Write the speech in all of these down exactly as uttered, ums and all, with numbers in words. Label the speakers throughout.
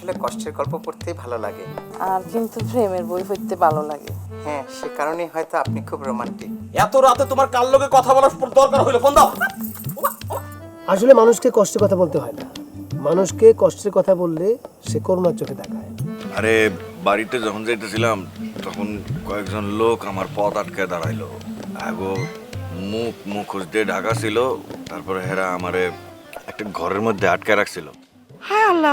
Speaker 1: আসলে কষ্টের গল্প পড়তেই ভালো লাগে।
Speaker 2: আর কিন্তু প্রেমের বই পড়তে ভালো লাগে।
Speaker 1: হ্যাঁ, সে কারণেই হয়তো আপনি খুব রোমান্টিক।
Speaker 3: এত রাতে তোমার কার লগে কথা বলার দরকার হইলো ফোন দাও।
Speaker 4: আসলে মানুষকে কষ্টের কথা বলতে হয় না, মানুষকে কষ্টের কথা বললে সে করুণার চোখে দেখায়।
Speaker 5: আরে বাড়িতে যখন যাইতেছিলাম তখন কয়েকজন লোক আমার পথ আটকে দাঁড়াইলো। আগো মুখ মুখোশ দিয়ে ঢাকা ছিল, তারপরে হেরা আমারে একটা ঘরের মধ্যে আটকে রাখছিল।
Speaker 2: হায় আল্লাহ,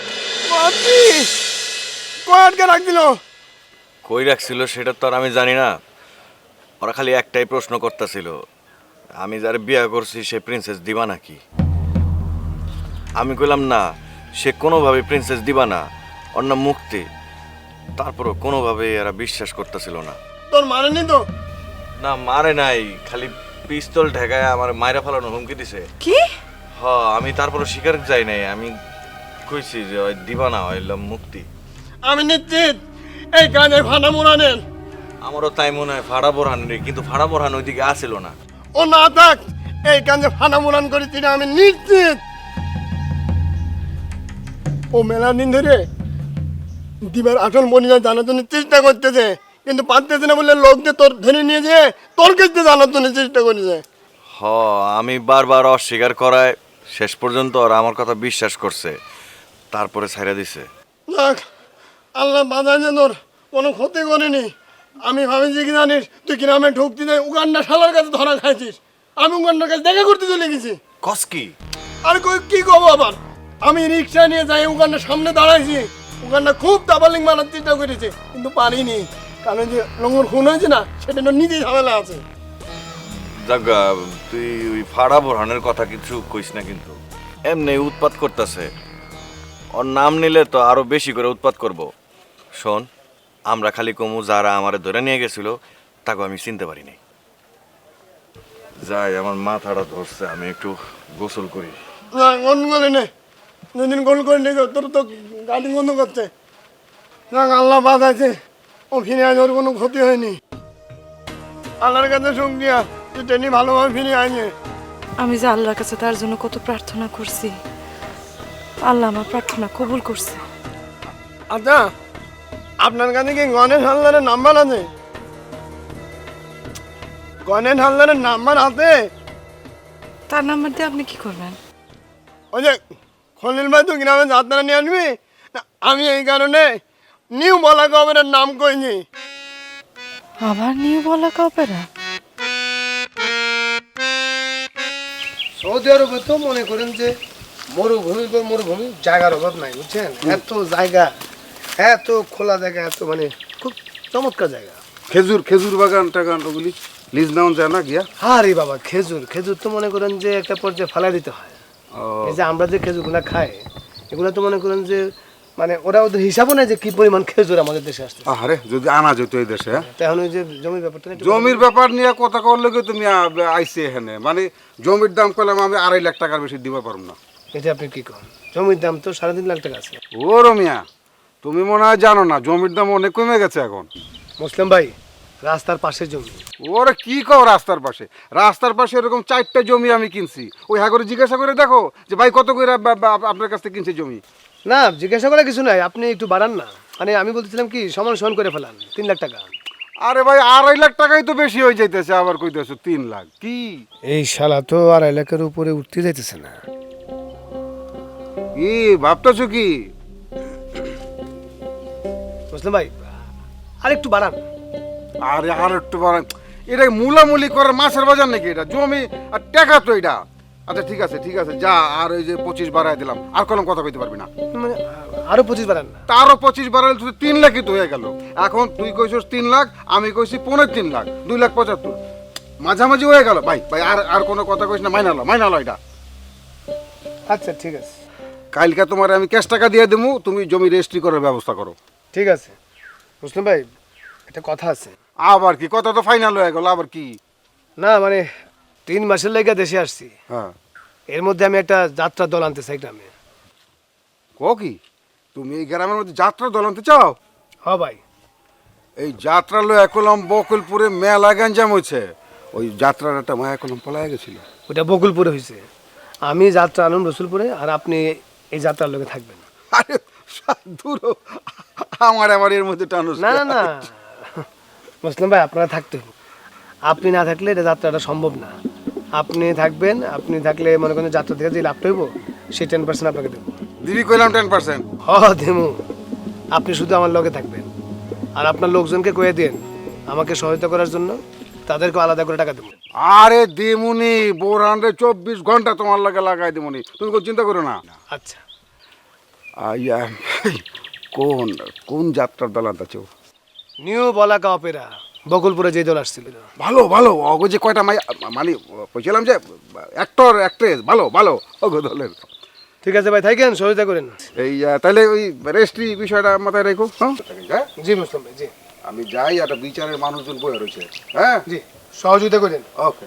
Speaker 4: কয় আটকে রাখছিল?
Speaker 5: কই রাখছিল সেটা তো আর আমি জানি না। ওরা খালি একটাই প্রশ্ন করতেছিল, আমি যারে বিয়ে করছি সে প্রিন্সেস দিবা নাকি। আমি কইলাম না, সে কোনোভাবে প্রিন্সেস দিবা না, ওর নাম মুক্তি। তারপরও কোনোভাবে এরা বিশ্বাস করতেছিল না।
Speaker 4: তোর মারেনি তো?
Speaker 5: না মারে নাই, খালি পিস্তল ঠেকায় আমার মায়েরা ফালানোর হুমকি দিছে।
Speaker 2: কি?
Speaker 5: হ, আমি তারপরও শিকার যাই নাই। আমি কইছি যে ওই দিবা না, হইলাম মুক্তি।
Speaker 4: আমি নিশ্চিত এই কানে ফানা মোড়ানের।
Speaker 5: আমারও তাই মনে হয় ফাড়া বোরহান রে, কিন্তু ফাড়া বোরহান ওইদিকে আসিল না।
Speaker 4: ও না থাক, এই কানে ফানা মোড়ান করেছি না, আমি নিশ্চিত। ও মেলা দিন ধরে দিবার আসল মনিরা জানার জন্য চেষ্টা করতেছে, কিন্তু পারতেছে না বলে লোকদের তোর ধরে নিয়ে যেয়ে তোর কাছে জানার জন্য চেষ্টা করেছে।
Speaker 5: হ, আমি বারবার অস্বীকার করায় শেষ পর্যন্ত ওরা আমার কথা বিশ্বাস করছে, তারপরে ছাইড়া দিছে।
Speaker 4: দেখ, আল্লাহ বাধা যে তোর কোনো ক্ষতি করেনি। আমি ভাবিছি কি জানিস, তুই গ্রামে ঢুকতে যাই উগান্ডা শালার কাছে ধরা খাইছিস। আমি উগান্ডার কাছে দেখা করতে চলে গেছি।
Speaker 5: কস কি?
Speaker 4: আর কই কি কব আবার, আমি রিক্সা নিয়ে যাই উগান্ডার সামনে দাঁড়াইছি। উগান্ডা খুব দাবালিং মারার চেষ্টা করেছে, কিন্তু পারিনি, কারণ যে লঙ্গর খুন হয়েছে না, সেটা নিজেই ঝামেলা আছে।
Speaker 5: জাগা, তুই ওই ফাড়া বোরহানের কথা কিছু কইস না, কিন্তু এমনি উৎপাত করতেছে। ওর নাম নিলে তো আরো বেশি করে উৎপাত করব। শোন, আমরা খালি কমু যারা আমারে ধরে নিয়ে গেছিল তাকে আমি চিনতে পারিনি। যাই, আমার মাথাটা ধরছে, আমি একটু গোসল করি।
Speaker 4: না, গোল করে নে, দুদিন গোল করে নে, তোর তো গাড়ি বন্ধ করছে। যাক, আল্লাহ বাঁচাইছে, ও ফিরে আজ ওর কোনো ক্ষতি হয়নি। আল্লাহর কাছে শুকরিয়া, তুই ট্রেনে ভালোভাবে ফিরে আইনে।
Speaker 2: আমি যে আল্লাহর কাছে তার জন্য কত প্রার্থনা করছি, আল্লাহ আমার প্রার্থনা কবুল করছে।
Speaker 4: আচ্ছা, আপনার কাছে কি গণেশ হালদারের নাম্বার আছে? গণেশ হালদারের নাম্বার আছে?
Speaker 2: তার নাম্বার দিয়ে আপনি কি করবেন?
Speaker 4: ওই যে খলিল ভাই তো গ্রামে যাত্রা নিয়ে আসবি না, আমি এই কারণে নিউ বলা কবের নাম কইনি।
Speaker 2: আবার নিউ বলা কপেরা?
Speaker 6: সৌদি আরবে তো মনে করেন যে মরুভূমি তো মরুভূমি, জায়গার অভাব নাই, বুঝছেন? এত জায়গা, এত খোলা জায়গা, এত মানে খুব চমৎকার জায়গা।
Speaker 7: খেজুর খেজুর বাগান টাগান ওগুলি লিজ নেওয়া যায় না গিয়া?
Speaker 6: আরে বাবা, খেজুর খেজুর তো মনে করেন যে একটা পর্যায়ে ফালাই দিতে হয়। এই যে আমরা যে খেজুরগুলা খাই, এগুলো তো মনে করেন যে মানে ওরা ওদের হিসাবও নেই যে কি পরিমাণ খেজুর আমাদের দেশে আসছে।
Speaker 7: আরে যদি আনা যেত এই দেশে, হ্যাঁ?
Speaker 6: তাই এখন ওই যে জমির ব্যাপারটা নিয়ে একটু
Speaker 7: জমির ব্যাপার নিয়ে কথা করলে কি তুমি আ- আইসে এখানে, মানে জমির দাম পেলাম আমি আড়াই লাখ টাকার বেশি দিতে পারবো না।
Speaker 6: এটা আপনি কি করেন? জমির দাম তো সাড়ে তিন লাখ টাকা আছে।
Speaker 7: ও রমিয়া, তুমি মনে হয় জানো না জমির দাম অনেক কমে গেছে এখন।
Speaker 6: মুসলিম ভাই, রাস্তার পাশে জমি।
Speaker 7: ওরা কি কও রাস্তার পাশে? রাস্তার পাশে এরকম চারটা জমি আমি কিনছি। ওই হ্যাঁ করে জিজ্ঞাসা করে দেখো যে ভাই কত করে বা- বা- আপনার কাছ থেকে কিনছে জমি।
Speaker 6: না, জিজ্ঞাসা করা কিছু নাই, আপনি একটু বাড়ান না। মানে আমি বলতেছিলাম কি, সমান সমান করে ফেলান, তিন লাখ টাকা।
Speaker 7: আরে ভাই, আড়াই লাখ টাকাই তো বেশি হয়ে যাইতেছে, আবার কইতেছো তিন লাখ। কি
Speaker 6: এই শালা তো আর এলাকার উপরে উঠতে যাইতেছে না।
Speaker 7: কি ভাবতেছো কি?
Speaker 6: মুসলিম ভাই, আর একটু বাড়ান।
Speaker 7: আরে আর একটু বাড়ান, এটা মূলামূলি করার মাছের বাজার নাকি? এটা জমি আর টাকা তো এটা। আচ্ছা ঠিক আছে ঠিক আছে, যা, আর ওই যে পঁচিশ বাড়াই দিলাম, আর কোনো কথা কইতে পারবি না।
Speaker 6: মানে আরো পঁচিশ বাড়ান না?
Speaker 7: তারও পঁচিশ বাড়াইলে তুই তিন লাখই তো হয়ে গেল। এখন তুই কইছিস তিন লাখ, আমি কইছি পনেরো তিন লাখ, দুই লাখ পঁচাত্তর, মাঝামাঝি হয়ে গেল। ভাই ভাই আর আর কোনো কথা কইস না, মাইনালো মাইনালো এটা।
Speaker 6: আচ্ছা ঠিক আছে,
Speaker 7: কালকে তোমার আমি ক্যাশ টাকা দিয়ে দেবো, তুমি জমি রেজিস্ট্রি করার ব্যবস্থা করো।
Speaker 6: ঠিক আছে। মুসলিম ভাই, একটা কথা আছে।
Speaker 7: আবার কি কথা? তো ফাইনাল হয়ে গেল, আবার কি?
Speaker 6: না মানে তিন মাসের লেগে দেশে আসছি,
Speaker 7: হ্যাঁ,
Speaker 6: এর মধ্যে আমি একটা যাত্রা দল আনতে চাই গ্রামে।
Speaker 7: কো কি তুমি এই গ্রামের মধ্যে যাত্রা দল আনতে চাও?
Speaker 6: হ ভাই।
Speaker 7: এই যাত্রা লো একলম বকুলপুরে মেলা গঞ্জাম হয়েছে। ওই যাত্রার একটা মায়া একলম পলায় গেছিল।
Speaker 6: ওটা বকুলপুরে হয়েছে, আমি যাত্রা আনুন রসুলপুরে, আর আপনি এই যাত্রার লোকে থাকবেন।
Speaker 7: আরে দূর হ। আমার আবার এর মধ্যে টানুস
Speaker 6: না না না মুসলিম ভাই আপনারা থাকতে হবে। আপনি না থাকলে এটা যাত্রাটা সম্ভব না। আপনি থাকবেন, আপনি থাকলে মনে করেন যাত্রা থেকে যে লাভটা হইব সেই টেন পার্সেন্ট আপনাকে দেবো।
Speaker 7: দিদি কইলাম টেন পার্সেন্ট।
Speaker 6: হ দেমু, আপনি শুধু আমার লগে থাকবেন আর আপনার লোকজনকে কয়ে দেন আমাকে সহায়তা করার জন্য, তাদেরকে আলাদা করে টাকা দেবো।
Speaker 7: আরে দিমুনি বোরানরে চব্বিশ ঘন্টা তোমার লাগে লাগাই দিমুনি, তুমি কোনো চিন্তা করো না।
Speaker 6: আচ্ছা,
Speaker 7: আইয়া কোন কোন যাত্রার দল আনতেছ?
Speaker 6: নিউ বলাকা অপেরা, বকুলপুরে যে দল আসছিল।
Speaker 7: ভালো ভালো অগো যে কয়টা মাই মানে কইছিলাম যে অ্যাক্টর অ্যাক্ট্রেস ভালো ভালো অগো দলের।
Speaker 6: ঠিক আছে ভাই, থাকেন, সহায়তা করেন।
Speaker 7: এই আহ, তাহলে ওই রেস্ট্রি বিষয়টা মাথায় রেখো। হ্যাঁ হ্যাঁ?
Speaker 6: জি মুসলিম ভাই, জি
Speaker 7: আমি যাই, একটা বিচারের মানুষজন বয়ে রয়েছে। হ্যাঁ
Speaker 6: জি, সহযোগিতা করেন।
Speaker 7: ওকে।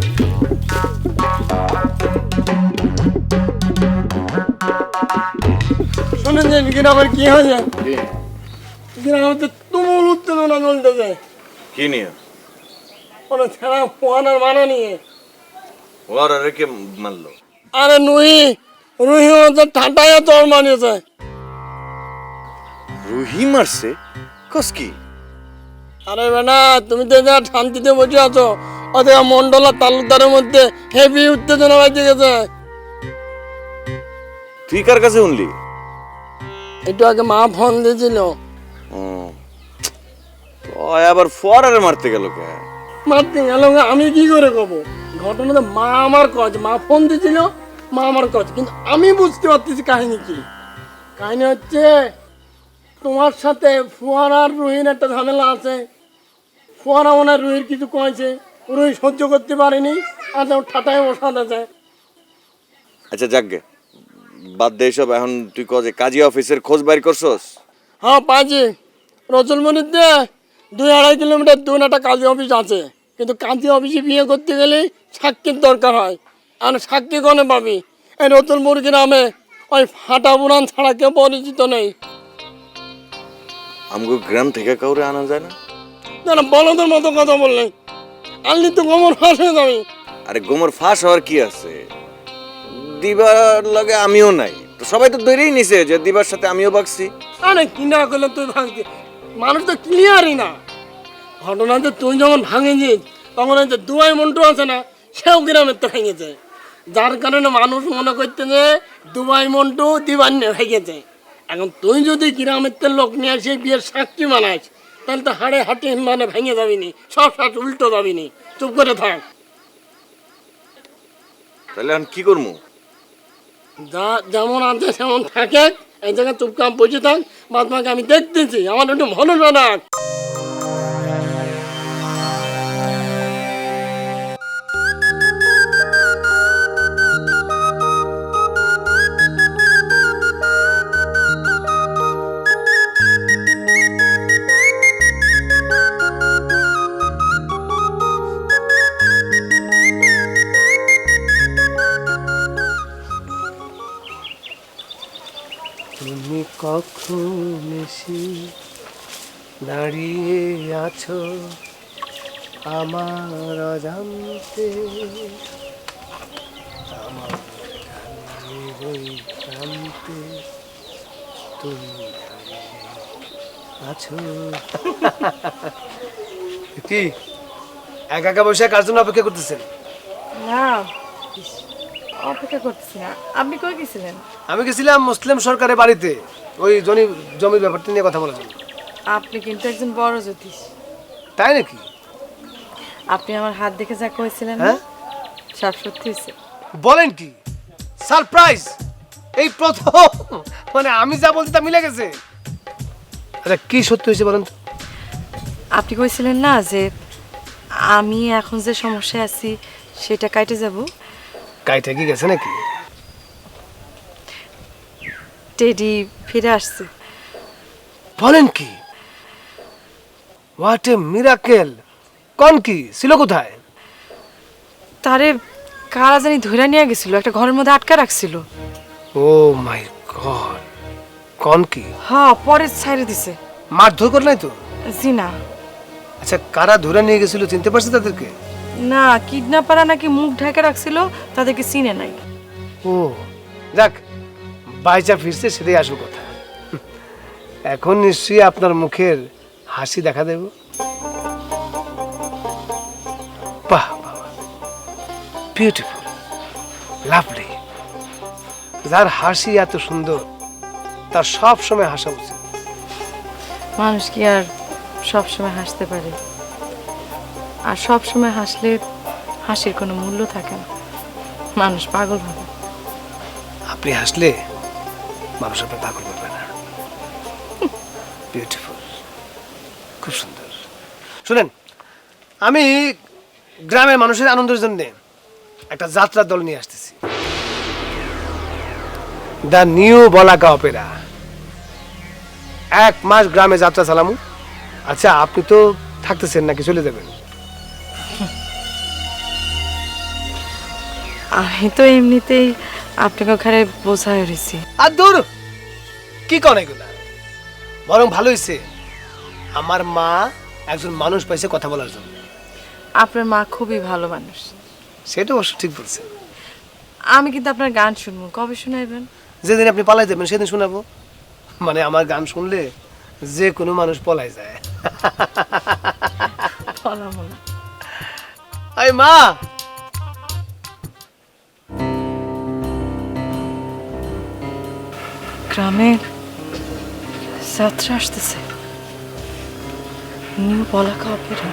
Speaker 4: শুনেছেন গ্রামের কি হয়েছে? গ্রামে তো তুমুল উত্তেজনা চলতেছে।
Speaker 5: কি নিয়ে?
Speaker 4: কোনো ছেঁড়া পোহানোর মানা নিয়ে।
Speaker 5: ওর আরে কে মারলো?
Speaker 4: আরে নুহি রুহি হচ্ছে ঠান্ডায় তোর মানিয়েছে।
Speaker 5: রুহি মারছে? কস কি?
Speaker 4: আরে বেটা, তুমি তো যা শান্তিতে বসে আছো, ওদের মন্ডলা তালুকদারের মধ্যে হেভি উত্তেজনা বাজে গেছে।
Speaker 5: তুই কার কাছে শুনলি?
Speaker 4: একটু আগে মা ফোন দিয়েছিল।
Speaker 5: ওই আবার ফরারে মারতে গেল কে?
Speaker 4: মারতে গেল, আমি কি করে কব? ঘটনাটা মা আমার কাজ, মা ফোন দিয়েছিল, মা আমার কাজ, কিন্তু আমি বুঝতে পারতেছি কাহিনী কি। কাহিনী হচ্ছে তোমার সাথে ফুয়ারার রুহির একটা ঝামেলা আছে। ফুয়ারা মনে হয় রুহির কিছু কয়েছে, রুহি সহ্য করতে পারেনি, আর যেমন ঠাটায় বসাতে যায়।
Speaker 5: আচ্ছা যাকগে, বাদ দে সব। এখন তুই কজে কাজী অফিসের খোঁজ বাইর করছস?
Speaker 4: হ্যাঁ পাইছি, রসুলমণিতে দুই আড়াই কিলোমিটার দূর একটা কাজী অফিস আছে, কিন্তু কাজী অফিসে বিয়ে করতে গেলে সাক্ষীর দরকার হয়। আর সাক্ষী কোনে পাবি? এই রতুলপুর গ্রামে ওই ফাটা পুরাণ ছাড়া কেউ পরিচিত নেই।
Speaker 5: আমগো গ্রাম থেকে কাউরে আনা যায় না?
Speaker 4: না বলদের মতো কথা বললে আনলি তো গোমর ফাঁস হয়ে যাবি।
Speaker 5: আরে গোমর ফাঁস হওয়ার কি আছে? দিবার লাগে আমিও নাই তো, সবাই তো ধরেই নিছে যে দিবার সাথে আমিও বাগছি।
Speaker 4: আরে কি না করলে তুই ভাঙছি, মানুষ তো ক্লিয়ারই না। ঘটনা যে তুই যখন ভাঙেছিস তখন ওই যে দুয়াই মন্টু আছে না, সেও গ্রামের তো ভেঙেছে, যার কারণে মানুষ মনে করতে যে দুবাই মন্টু দিবান্নে ভেঙেছে। এখন তুই যদি গ্রামের তো লোক নিয়ে আসে বিয়ের সাক্ষী বানাইস, তাহলে তো হাড়ে হাটে মানে ভেঙে যাবি নি, সব সাত উল্টো যাবি নি। চুপ করে থাক।
Speaker 5: তাহলে এখন কি করবো?
Speaker 4: যা যেমন আছে সেমন থাকে, এই জায়গায় চুপচাপ বসে থাক, বাদ বাকি আমি দেখতেছি, আমার একটু ভরসা রাখ।
Speaker 6: তুমি কখন এসে দাঁড়িয়ে আছো আমার অজান্তে, আমার গানের ওই প্রান্তে তুমি দাঁড়িয়ে আছো। কি একা একা বসে কার জন্য অপেক্ষা করতেছেন?
Speaker 2: না, অপেক্ষা করতেছি না। আপনি কই গেছিলেন?
Speaker 6: আমি গেছিলাম মুসলিম সরকারের বাড়িতে, ওই জমি জমির ব্যাপারটা নিয়ে কথা বলার জন্য।
Speaker 2: আপনি কিন্তু একজন বড় জ্যোতিষ।
Speaker 6: তাই নাকি?
Speaker 2: আপনি আমার হাত দেখে যা কইছিলেন না,
Speaker 6: হ্যাঁ?
Speaker 2: সব সত্যি হয়েছে।
Speaker 6: বলেন কি? সারপ্রাইজ! এই প্রথম মানে আমি যা বলছি তা মিলে গেছে। আচ্ছা কি সত্যি হয়েছে বলেন তো?
Speaker 2: আপনি কইছিলেন না যে আমি এখন যে সমস্যায় আছি সেটা কাটে যাব।
Speaker 6: কাইটা কি গেছে নাকি?
Speaker 2: টেডি ফিরে আসছে।
Speaker 6: বলেন কি? What a miracle! কোন কি ছিল কোথায়?
Speaker 2: তারে কারা জানি ধরে নিয়ে গেছিল, একটা ঘরের মধ্যে আটকা রাখছিল।
Speaker 6: Oh my God! কোন কি?
Speaker 2: হ্যাঁ, পরে ছাইরে দিছে।
Speaker 6: মারধর করে নাই তো?
Speaker 2: জি না।
Speaker 6: আচ্ছা কারা ধরে নিয়ে গেছিল চিনতে পারছে তাদেরকে?
Speaker 2: না, কিডন্যাপাররা নাকি মুখ ঢাকা রাখছিল, তাদেরকে চিনে নাই।
Speaker 6: ও যাক, বাইচা ফিরছে সেটাই আসল কথা। এখন নিশ্চয়ই আপনার মুখের হাসি দেখা দেব। বাহ বিউটিফুল, লাভলি। যার হাসি এত সুন্দর তার সব সময় হাসা উচিত।
Speaker 2: মানুষ কি আর সব সময় হাসতে পারে? আর সব সময় হাসলে হাসির কোনো মূল্য থাকে না, মানুষ পাগল হবে।
Speaker 6: আপনি হাসলে মানুষ আপনার পাগল করবে না। বিউটিফুল, খুব সুন্দর। শুনেন, আমি গ্রামের মানুষের আনন্দের জন্য একটা যাত্রা দল নিয়ে আসতেছি, দ্য নিউ বলাকা অপেরা। এক মাস গ্রামে যাত্রা চালামু। আচ্ছা, আপনি তো থাকতেছেন নাকি চলে যাবেন?
Speaker 2: আমি তো এমনিতেই আপনাকে ওখানে বোঝায় রয়েছি।
Speaker 6: আর দূর, কি কন এগুলা? বরং ভালো হয়েছে আমার মা একজন মানুষ পাইছে কথা বলার জন্য।
Speaker 2: আপনার মা খুবই ভালো মানুষ।
Speaker 6: সেটা অবশ্য ঠিক বলছেন।
Speaker 2: আমি কিন্তু আপনার গান শুনবো, কবে শোনাইবেন?
Speaker 6: যেদিন আপনি পালাই দেবেন সেদিন শোনাবো। মানে আমার গান শুনলে যে কোনো মানুষ পলাই যায়।
Speaker 2: বলাবো না।
Speaker 6: আই মা,
Speaker 2: গ্রামে যাত্রা আসতেছে, নিউ বলাকা অপেরা।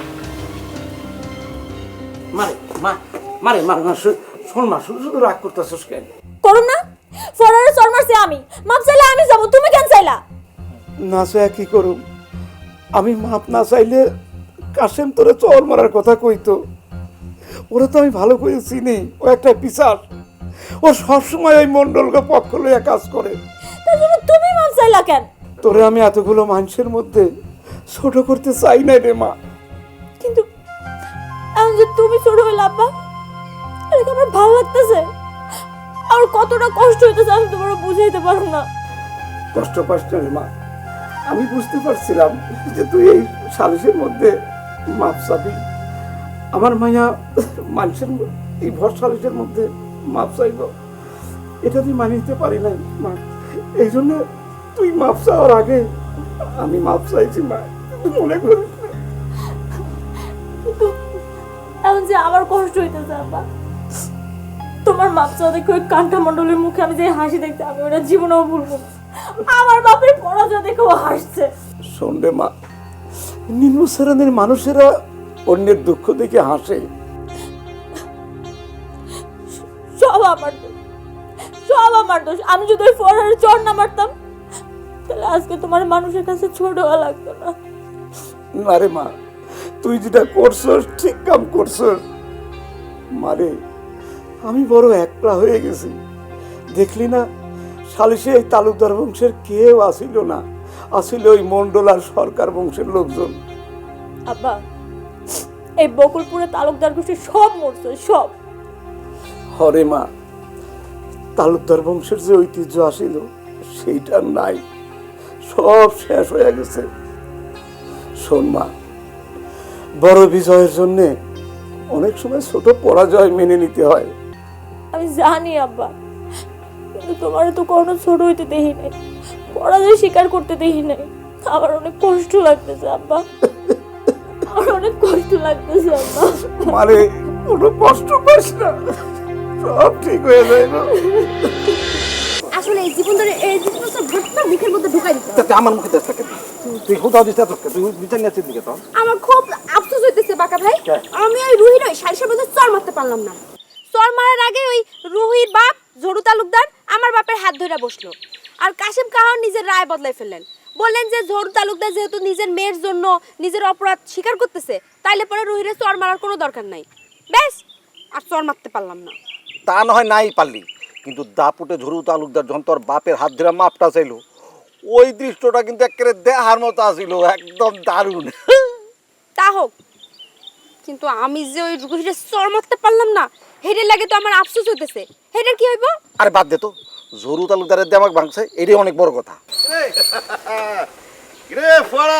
Speaker 3: মারে মা মারে মা মা শো- শোন মা, শুধু শুধু রাগ করতেছিস কেন?
Speaker 8: করুন না, ফরারে চর মারছে আমি, মাপ চাইলে আমি যাব, তুমি কেন চাইলা?
Speaker 9: না চাই কি করুম? আমি মাপ না চাইলে কাশেম তোরে চর মারার কথা কইতো। ওরা তো আমি ভালো করে চিনি, ও একটা পিসার। ও সবসময় ওই মন্ডলকে পক্ষ লইয়া কাজ করে।
Speaker 8: তার জন্য তুমি মাপ চাইলা কেন?
Speaker 9: তোরে আমি এতগুলো মানুষের মধ্যে ছোট করতে চাই না রে মা।
Speaker 8: কিন্তু এখন যে তুমি ছোট হইলে আব্বা, এটা আমার ভালো লাগতেছে। আমার কতটা কষ্ট হইতেছে আমি তোমার বুঝাইতে পারবো না।
Speaker 9: কষ্ট পাস না রে মা। আমি বুঝতে পারছিলাম যে তুই এই সালিশের মধ্যে মাপ চাবি। আমার মায়া মানুষের ম- এই ভর সালিশের মধ্যে মাপ চাইব, এটা তুই মানি নিতে পারি নাই মা। এই জন্য তুই মাপ চাওয়ার আগে আমি মাপ চাইছি মা, তুই মনে করিস না।
Speaker 8: কিন্তু এখন যে আমার কষ্ট হইতেছে আব্বা, তোমার মাপ চাওয়া দেখে ওই কান্টা মণ্ডলের মুখে আমি যে হাসি দেখতে, আমি ওটা জীবনেও ভুলবো না। আমার বাপের পরাজয় দেখে ও হাসছে।
Speaker 9: শোন রে মা, নিম্ন শ্রেণীর মানুষেরা অন্যের দুঃখ দেখে হাসে।
Speaker 8: সব আমার দোষ, সব আমার দোষ। আমি যদি ওই ফরারের চর না মারতাম, তাহলে আজকে তোমার মানুষের কাছে ছোট হওয়া লাগতো না।
Speaker 9: না রে মা, তুই যেটা করছস ঠিক কাম করছস মারে। আমি বড় একলা হয়ে গেছি। দেখলি না, সালিশে এই তালুকদার বংশের কেউ আসিল না, আসিল ওই মন্ডল আর সরকার বংশের লোকজন।
Speaker 8: আব্বা, এই বকুলপুরে তালুকদার গোষ্ঠী সব মরছে, সব।
Speaker 9: হরে মা, তালুকদার বংশের যে ঐতিহ্য আসিল সেইটা নাই, সব শেষ হয়ে গেছে। শোন মা, বড় বিজয়ের জন্য অনেক সময় ছোট পরাজয় মেনে নিতে হয়।
Speaker 8: আমি জানি আব্বা, কিন্তু তোমার তো কোনো ছোট হইতে দেখি নাই, পরাজয় স্বীকার করতে দেখি নাই। আমার অনেক কষ্ট লাগতেছে আব্বা, আমার অনেক কষ্ট লাগতেছে আব্বা।
Speaker 9: মানে কোনো কষ্ট পাস না, সব ঠিক হয়ে যায় না।
Speaker 8: আসলে এই জীবন ধরে এই জিনিসটা ঘটনা মুখের মধ্যে ঢুকাই দিতে
Speaker 3: তা তুই আমার মুখে দেশ থাকে, তুই কোথাও দিতে তোকে, তুই বিচার নিয়ে দিকে তো।
Speaker 10: আমার খুব আফসোস হইতেছে বাঁকা ভাই, আমি ওই রুহির ওই সারিসার মধ্যে চর মারতে পারলাম না। চর মারার আগে ওই রুহির বাপ ঝরু তালুকদার আমার বাপের হাত ধরে বসলো, আর কাশিম কাহার নিজের রায় বদলাই ফেললেন। বললেন যে ঝরু তালুকদার যেহেতু নিজের মেয়ের জন্য নিজের অপরাধ স্বীকার করতেছে, তাইলে পরে রুহিরে চর মারার কোনো দরকার নাই। ব্যাস, আর চর মারতে পারলাম না।
Speaker 3: তা না হয় নাই পারলি, কিন্তু দাপুটে ঝরু তালুকদার যখন তোর বাপের হাত ধরে মাপটা চাইলো, ওই দৃশ্যটা কিন্তু একেবারে দেহার মতো আসিল, একদম দারুণ।
Speaker 10: তা হোক, কিন্তু আমি যে ওই রুহিরে চর মারতে পারলাম না, হেডের লাগে তো আমার আফসোস হইতেছে। হেডের কি হইব?
Speaker 3: আরে বাদ দে তো, ঝরু তালুকদারের দেমাগ ভাঙছে, এটাই অনেক বড় কথা।
Speaker 7: রে ফরা,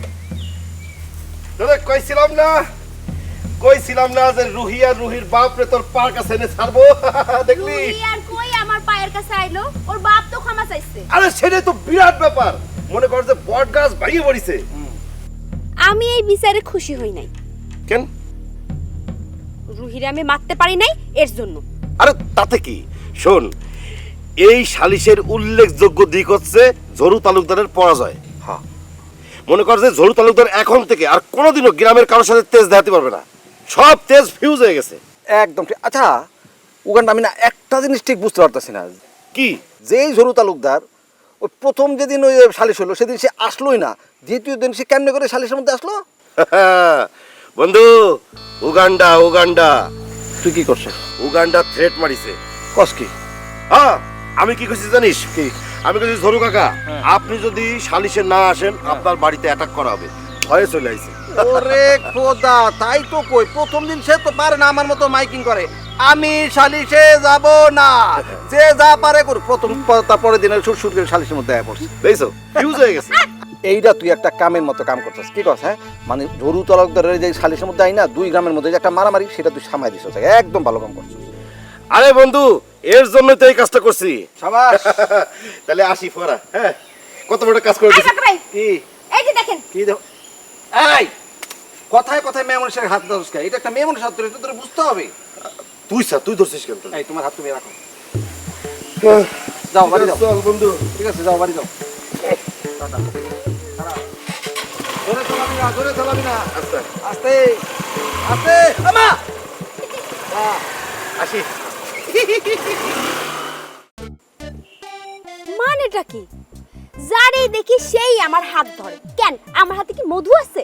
Speaker 7: তোরে কইছিলাম না কইছিলাম না যে রুহি আর রুহির বাপ রে তোর পার কাছে এনে ছাড়বো। দেখলি?
Speaker 10: রুহি আর কই আমার পায়ের কাছে আইলো, ওর বাপ তো ক্ষমা চাইছে।
Speaker 7: আরে সেটাই তো বিরাট ব্যাপার।
Speaker 3: মনে কর যে বট গাছ ভাঙিয়ে পড়িছে।
Speaker 10: আমি এই বিচারে খুশি হই নাই।
Speaker 3: কেন?
Speaker 10: রুহিরে আমি মারতে পারি নাই এর জন্য।
Speaker 3: আরে তাতে কি, শোন, এই সালিশের উল্লেখযোগ্য দিক হচ্ছে ঝরু তালুকদারের পরাজয়। হ্যাঁ, মনে কর যে ঝরু তালুকদার এখন থেকে আর কোনোদিনও গ্রামের কারোর সাথে তেজ দেখাতে পারবে না, সব তেজ ফিউজ হয়ে গেছে। একদম ঠিক। আচ্ছা উগান্ডা, আমি না একটা জিনিস ঠিক বুঝতে পারতেছি না, কি যেই ঝরু তালুকদার ওই প্রথম যেদিন ওই সালিশ হলো সেদিন সে আসলোই না, দ্বিতীয় দিন সে কেমনে করে সালিশের মধ্যে আসলো? বন্ধু, উগান্ডা উগান্ডা
Speaker 6: তুই কি করছিস?
Speaker 3: Uganda threat মারিছে।
Speaker 6: কস কি?
Speaker 3: হ্যাঁ, আমি কি কইছি জানিস? কি আমি কইছি, ঝরু কাকা আপনি যদি সালিশে না আসেন আপনার বাড়িতে অ্যাটাক করা হবে, ভয়ে চলে আইছে।
Speaker 1: ওরে খোদা, তাই তো কই, প্রথম দিন সে তো পারে না আমার মতো মাইকিং করে, আমি সালিশে যাব না, যে যা পারে করুক। প্রথম তারপরে দিনের সুর সুর করে সালিশের মধ্যে আয়া পড়ছে,
Speaker 3: দেখছো ফিউজ হয়ে গেছে।
Speaker 1: এইটা তুই একটা কামের মতো কাম করছিস। কি কথা? হ্যাঁ, মানে ঝরু তালুকদারের যে সালিশের মধ্যে আই না, দুই গ্রামের মধ্যে যে একটা মারামারি, সেটা তুই সামাই দিস। একদম ভালো কাম করছিস।
Speaker 3: আরে বন্ধু, এর জন্য তো এই কাজটা করছি।
Speaker 1: সাবাস।
Speaker 3: তাহলে আসি ফোরা। হ্যাঁ, কত বড় কাজ করে
Speaker 10: এই
Speaker 3: দিছি।
Speaker 10: বাকা ভাই,
Speaker 1: কি
Speaker 10: এই যে দেখেন।
Speaker 1: কি দেখো, এই কথায় কথায় মেয়ে মানুষের হাত ধরছ কেন? এটা একটা মেয়ে মানুষের হাত ধরে, এটা তোর বুঝতে হবে।
Speaker 3: তুই স্যার, তুই ধরছিস কেন?
Speaker 1: এই তোমার হাত তুমি রাখো, যাও বাড়ি যাও।
Speaker 3: চল বন্ধু।
Speaker 1: ঠিক আছে, যাও বাড়ি যাও। টাটা। দাঁড়া। জোরে চালাবি না, জোরে চালাবি না,
Speaker 3: আচ্ছা
Speaker 1: আস্তে আস্তে। আমা
Speaker 3: আসি।
Speaker 10: মানেটা কি? যারে দেখি সেই আমার হাত ধরে। কেন, আমার হাতে কি মধু আছে?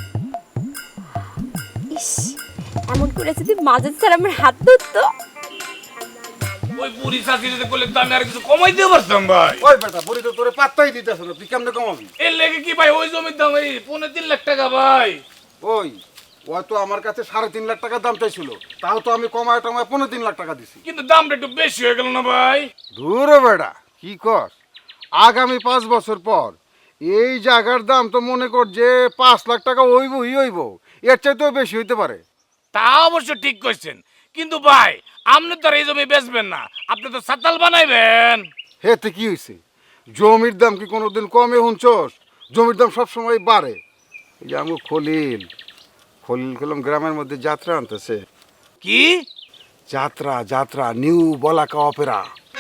Speaker 10: ইস, এমন করে যদি মাঝে স্যার আমার হাত ধরতো।
Speaker 11: ওই বুড়ি চাষি যদি করলে তো আমি আর কিছু কমাই দিয়ে পারতাম ভাই।
Speaker 7: ওই বেটা বুড়ি তো তোরে পাত্তাই দিতেছ না, তুই কেমনে কমাবি?
Speaker 11: এর লেগে কি ভাই, ওই জমির দাম এই পৌনে তিন লাখ টাকা ভাই।
Speaker 7: ওই ওই তো আমার কাছে সাড়ে তিন লাখ টাকা দাম চাইছিল, তাও তো আমি কমায় টমায় পনেরো তিন লাখ টাকা দিছি।
Speaker 11: কিন্তু দামটা একটু বেশি হয়ে গেল না ভাই?
Speaker 7: দূরে বেটা, কি কর, আগামী পাঁচ বছর পর এই জায়গার দাম তো মনে কর যে পাঁচ লাখ টাকা হইবই হইব, এর চাইতেও বেশি হইতে পারে।
Speaker 11: তা অবশ্য ঠিক কইছেন, কিন্তু ভাই আপনি তো আর এই জমি বেচবেন না, আপনি তো সাতাল বানাইবেন।
Speaker 7: হেতে কি হয়েছে, জমির দাম কি কোনোদিন কমে হুঁচোস? জমির দাম সবসময় বাড়ে। এই যে আমি খলিল খলিল কলম গ্রামের মধ্যে যাত্রা আনতেছে।
Speaker 11: কি
Speaker 7: যাত্রা? যাত্রা নিউ বলাকা অপেরা।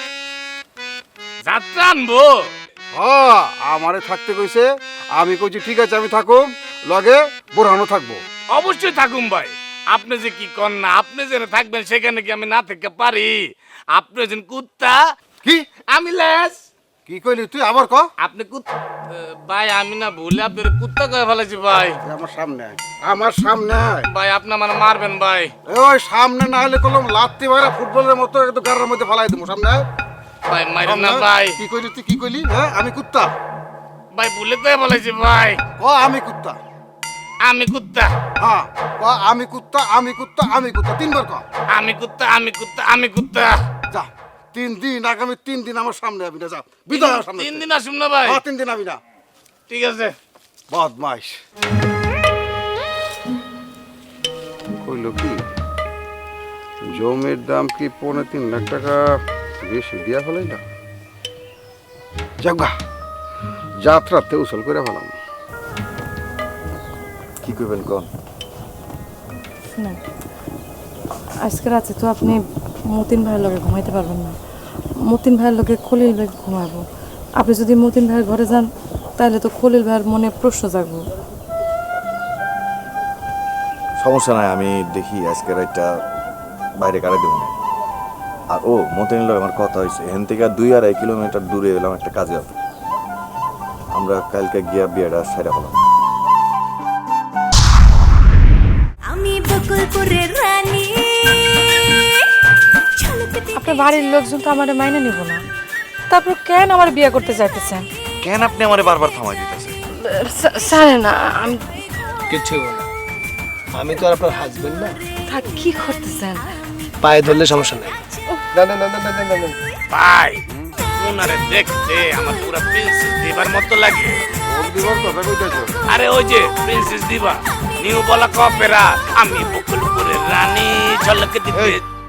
Speaker 11: যাত্রা আনবো?
Speaker 7: হ্যাঁ, আমারে থাকতে কইছে, আমি কইছি ঠিক আছে আমি থাকুম, লগে বোরহানও থাকবো।
Speaker 11: অবশ্যই থাকুন ভাই, আপনি যে কি কর না, আপনি যেন থাকবেন সেখানে কি আমি না থেকে পারি? আপনি যেন কুত্তা,
Speaker 7: কি
Speaker 11: আমি লেস।
Speaker 7: কি কইলি তুই আবার ক?
Speaker 11: আপনি কুত্তা ভাই, আমি না ভুলে আপনার কুত্তা কয়ে ফেলেছি ভাই।
Speaker 7: আমার সামনে আয়, আমার সামনে আয়।
Speaker 11: ভাই আপনি মানে মারবেন ভাই।
Speaker 7: ওই সামনে না হলে কলম লাত্তি মারা ফুটবলের মতো একটু গাড়ির মধ্যে ফেলাই দেবো। সামনে আয়।
Speaker 11: ভাই মারেন না
Speaker 7: সামনে আয়।
Speaker 11: ভাই।
Speaker 7: কি কইলি তুই, কি কইলি? হ্যাঁ, আমি কুত্তা?
Speaker 11: ভাই ভুলে কয়ে ফেলেছি ভাই।
Speaker 7: ক আমি কুত্তা?
Speaker 11: আমি কুত্তা,
Speaker 7: হ্যাঁ ক আমি কুত্তা, আমি কুত্তা, আমি কুত্তা, তিনবার ক।
Speaker 11: আমি কুত্তা, আমি কুত্তা, আমি কুত্তা।
Speaker 7: যা, তিন দিন, আগামী তিন দিন আমার সামনে আবি না, যা বিদায় আমার সামনে।
Speaker 11: তিন দিন আসুন না ভাই?
Speaker 7: হ্যাঁ, তিন দিন আবি না।
Speaker 11: ঠিক আছে।
Speaker 7: বদমাইশ। কইল কি, জমির দাম কি পৌনে তিন লাখ টাকা বেশি দিয়া ফেলাই না? যাগা, যাত্রাতে উসল করে ফেলাম।
Speaker 5: কি করবেন কোন?
Speaker 2: শুনেন, আজকে রাতে তো আপনি মতিন ভাইয়ের লগে ঘুমাইতে পারবেন না। মতিন ভাইয়ের লগে খলিল ভাই ঘুমাবো। আপনি যদি মতিন ভাইয়ের ঘরে যান তাহলে তো খলিল ভাইয়ের মনে প্রশ্ন জাগবো।
Speaker 5: সমস্যা নাই, আমি দেখি আজকে রাতটা বাইরে কাটাই দেবো না। আর ও মতিনের লগে আমার কথা হয়েছে, এখান থেকে দুই আড়াই কিলোমিটার দূরে এলাম একটা কাজে আছে, আমরা কালকে গিয়া বিয়েটা সেরা হলাম।
Speaker 8: আমি বকুলপুরের রানী।
Speaker 2: আপনার বাড়ির লোকজন তো আমার মাইনে নিব না, তারপর কেন আমার বিয়ে করতে চাইতেছেন?
Speaker 5: কেন আপনি আমার বারবার থামাই দিতেছেন?
Speaker 2: জানে না আমি
Speaker 6: কিচ্ছু না, আমি তো আর আপনার হাজবেন্ড না।
Speaker 2: থাক, কি করতেছেন?
Speaker 6: পায়ে ধরলে সমস্যা নাই। না না না না না না না।
Speaker 11: ভাই ওনারে দেখতে আমার পুরো প্রিন্সেস দিবার মতো লাগে।
Speaker 7: কোন দিবস কথা কইতেছো?
Speaker 11: আরে ওই যে প্রিন্সেস দিবা, নিউ বলা অপেরা, আমি বকুলপুরের রানী, ঝলক দিতে